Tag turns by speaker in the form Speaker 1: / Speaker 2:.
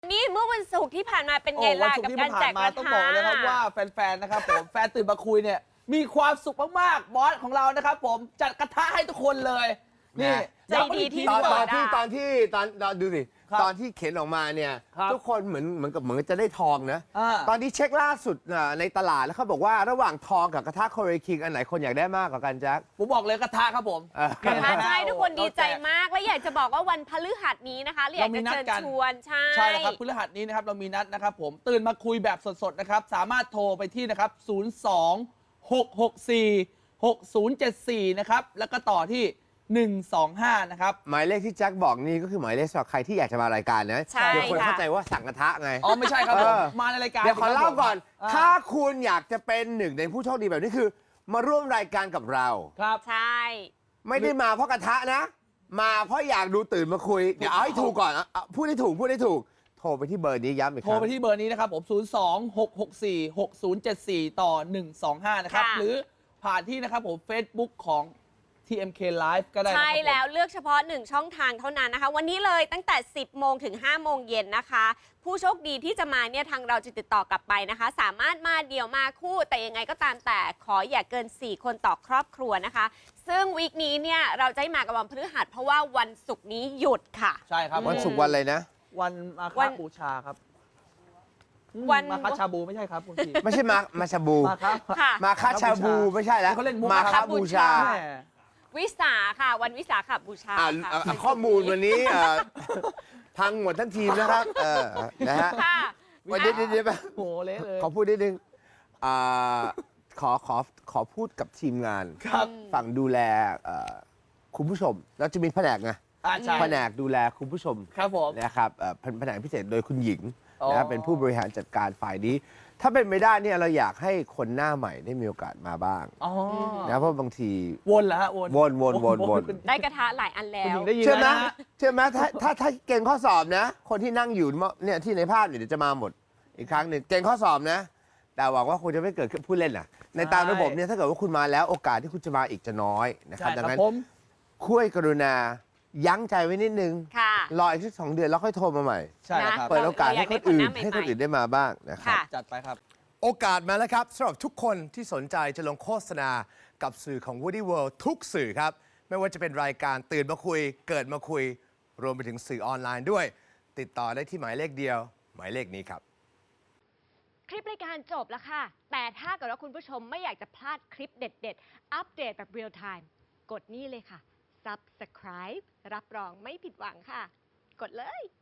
Speaker 1: นี่เมื่อวันศุกร์ที่ผ่านมาเป็นไงล่ะกับการแจกกระทะ
Speaker 2: ต้องบอกเลยครับว่าแฟนๆนะครับผมแฟนตื่นมาคุยเนี่ยมีความสุขมากๆบอสของเรานะครับผมจัดกระทะให้ทุกคนเลยนี่
Speaker 1: ใจดีที่
Speaker 3: ต
Speaker 1: สุด
Speaker 3: อนดูสิตอนที่เข็นออกมาเนี่ยทุกคนเหมือนจะได้ทองนะตอนนี้เช็คล่าสุดในตลาดแล้วเขาบอกว่าระหว่างทองกับกระทะโคเรียคิงอันไหนคนอยากได้มากกว่ากันแจ็ค
Speaker 2: ผมบอกเลยกระทะครับผม
Speaker 1: กระทะใช่ทุกคนดีใจมากและอยากจะบอกว่าวันพฤหัสนี้นะคะอยากจะเชิญชวน
Speaker 2: ใช่แล้วครับพฤหัสนี้นะครับเรามีนัดนะครับผมตื่นมาคุยแบบสดๆนะครับสามารถโทรไปที่นะครับ02-664-6074นะครับแล้วก็ต่อที่125นะครับ
Speaker 3: หมายเลขที่แจ็คบอกนี่ก็คือหมายเลขสำหรับใครที่อยากจะมารายการนะเดี๋ยวคนเข้าใจว่าสั่งกระทะไง
Speaker 2: อ๋อไม่ใช่ครับผมมาในรายการ
Speaker 3: เดี๋ยวขอเล่าก่อนถ้าคุณอยากจะเป็นหนึ่งในผู้โชคดีแบบนี้คือมาร่วมรายการกับเรา
Speaker 2: ครับ
Speaker 1: ใช่
Speaker 3: ไม่ได้มาเพราะกระทะนะมาเพราะอยากดูตื่นมาคุยเดี๋ยวเอาให้ถูกก่อนพูดให้ถูกโทรไปที่เบอร์นี้ย้ำอีกครั้ง
Speaker 2: โทรไปที่เบอร์นี้นะครับผม02-664-6074ต่อ125นะครับหรือผ่านที่นะครับผม Facebook ของ TMK Live ก็ได้
Speaker 1: ใช่แล้วเลือกเฉพาะ1ช่องทางเท่านั้นนะคะวันนี้เลยตั้งแต่10โมงถึง5โมงเย็นนะคะผู้โชคดีที่จะมาเนี่ยทางเราจะติดต่อกลับไปนะคะสามารถมาเดี่ยวมาคู่แต่ยังไงก็ตามแต่ขออย่าเกิน4คนต่อครอบครัวนะคะซึ่งวีคนี้เนี่ยเราจะให้มากับวันพฤหัสเพราะว่าวันศุกร์นี้หยุดค่ะ
Speaker 2: ใช่ครับ
Speaker 3: วันศุกร์วันอะไรนะ
Speaker 2: วันมาฆบูชาครับวันมาฆชาบูไม่ใช่ครับคุณพี่
Speaker 3: ไม่ใช่มาชาบูมาฆชาบูไม่ใใช่แล้ว
Speaker 2: เขาเล่น
Speaker 3: มาฆบูชา
Speaker 1: วิสาค่ะวันวิสาขบูชาค่ะ
Speaker 3: ข้อมูลวันนี้พังหมดทั้งทีมนะครับนะฮะวันนี้เดี๋ยว
Speaker 2: โอ้เละเลย
Speaker 3: ขอพูดนิดนึงขอพูดกับทีมงานฝั่งดูแลคุณผู้ชมเราจะมีแผนกไงแผนกดูแลคุณผู้ชม
Speaker 2: ครับผม
Speaker 3: นะครับแผนกพิเศษโดยคุณหญิงนะครับเป็นผู้บริหารจัดการฝ่ายนี้ถ้าเป็นไม่ได้เนี่ยเราอยากให้คนหน้าใหม่ได้มีโอกาสมาบ้างนะเพราะบางที
Speaker 2: วนเหรอฮะ
Speaker 3: วน
Speaker 1: ได้กระทะหลายอันแล้ว
Speaker 3: เชื่อไหมถ้าเก่งข้อสอบนะคนที่นั่งอยู่เนี่ยที่ในภาพเนี่ยเดี๋ยวจะมาหมดอีกครั้งหนึ่งเก่งข้อสอบนะแต่หวังว่าคุณจะไม่เกิดผู้เล่นน่ะในตามระบบเนี่ยถ้าเกิดว่าคุณมาแล้วโอกาสที่คุณจะมาอีกจะน้อยนะครับดังนั้นช่วยกรุณายั้งใจไว้นิดนึงรออีกสัก2 เดือนแล้วค่อยโทรมาใหม่
Speaker 2: ใช่ครับ
Speaker 3: เปิดโอกาสให้คนอื่นได้มาบ้างนะครับ
Speaker 2: จัดไปครับ
Speaker 3: โอกาสมาแล้วครับสำหรับทุกคนที่สนใจจะลงโฆษณากับสื่อของ Woody World ทุกสื่อครับไม่ว่าจะเป็นรายการตื่นมาคุยเกิดมาคุยรวมไปถึงสื่อออนไลน์ด้วยติดต่อได้ที่หมายเลขเดียวหมายเลขนี้ครับ
Speaker 1: คลิปรายการจบแล้วค่ะแต่ถ้าเกิดว่าคุณผู้ชมไม่อยากจะพลาดคลิปเด็ดๆอัปเดตแบบเรียลไทม์กดนี่เลยค่ะ Subscribe รับรองไม่ผิดหวังค่ะกดเลย